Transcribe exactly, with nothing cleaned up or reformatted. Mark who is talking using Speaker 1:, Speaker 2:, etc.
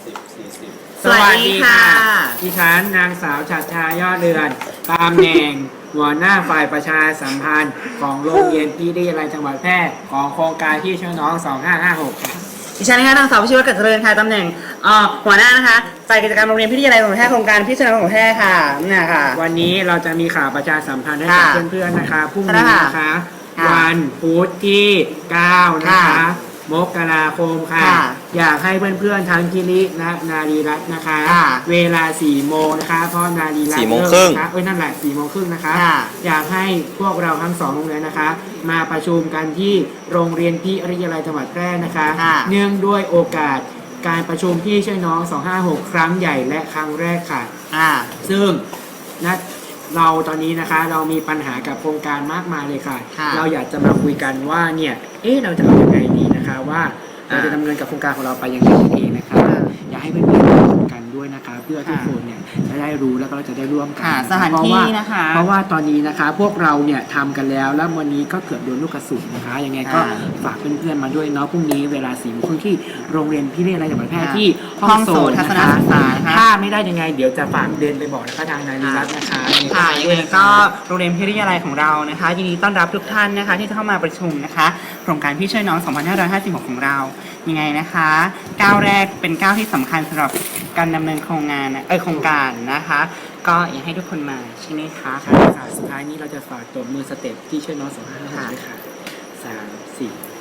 Speaker 1: สิบสี่สิบ
Speaker 2: สวัสดีค่ะ
Speaker 3: ดิฉันนางสาวฉัตรชายอดเรือนตำแหน่งหัวหน้าฝ่ายประชาสัมพันธ์ของโรงเรียนพิทยาลัยจังหวัดแพร่ของโครงการที่ช่วยน้องสองห้าห้าหกค่ะ
Speaker 2: ดิฉันนะคะนางสาวพิชิตวัฒน์กัจเจริญค่ะตำแหน่งหัวหน้านะคะฝ่ายกิจการโรงเรียนพิทยาลัยจังหวัดแพร่โครงการพิจารณาของแพร่ค่ะนี่ค่ะ
Speaker 3: วันนี้เราจะมีข่าวประชาสัมพันธ์ให้กับเพื่อนๆนะคะพรุ่งนี้นะคะวันพุธที่เก้านะคะมกราคมค่ะอยากให้เพื่อนๆทั้งกิริและนารีรัตน์นะคะเวลาสี่โมงนะคะเพราะนารีรัตน์
Speaker 1: สี่โมงครึ่ง
Speaker 3: เอ้ยนั่นแหละสี่โมงครึ่งนะคะอยากให้พวกเราทั้งสองโรงเรียนนะคะมาประชุมกันที่โรงเรียนพิทยาลัยจังหวัดแพร่นะคะเนื่องด้วยโอกาสการประชุมที่ช่วยน้องสองห้าหกครั้งใหญ่และครั้งแรกค่ะซึ่งนะเราตอนนี้นะคะเรามีปัญหากับโครงการมากมายเลยค่ะเราอยากจะมาคุยกันว่าเนี่ยเอ๊ะเราจะเอายังไงดีนะคะว่าเราจะดำเนินกับโครงการของเราไปยังไงเองนะคะอยากให้เพื่อนๆร่วมกันด้วยนะคะเพื่อทุกคนเนี่ยจะได้รู้แล้วก็เราจะได้ร่วมกัน
Speaker 2: สถานที่นะคะ
Speaker 3: เพราะว่าตอนนี้นะคะพวกเราเนี่ยทำกันแล้วแล้ววันนี้ก็เกือบโดนลูกกระสุนนะคะยังไงก็ฝากเพื่อนๆมาด้วยเนาะพรุ่งนี้เวลาสี่โมงครึ่งที่โรงเรียนพิทยาลัยจังหวัดแพร่ที่
Speaker 2: ห้องโสตทัศนศึกษา
Speaker 3: ถ้าไม่ได้ยังไงเดี๋ยวจะฝากเดินไปบอกนะคะทางนายนิรัตน์นะคะ
Speaker 2: ค่ะยังไงก็โรงเรียนพิทยาลัยของเรานะคะยินดีต้อนรับทุกท่านนะคะที่จะเข้ามาประชุมนะคะโครงการพี่ช่วยน้องสองพันห้าร้อยห้าสิบหกของเรายังไงนะคะก้าวแรกเป็นก้าวที่สำคัญสำหรับการดำเนินโครงงานเออโครงการนะคะก็อยากให้ทุกคนมาใช่ไหมคะ
Speaker 3: สุดท้ายนี้เราจะฝากตัวมือสเต็ปที่ช่วยน้องสองห้าห้าด้วยค่ะสามสี่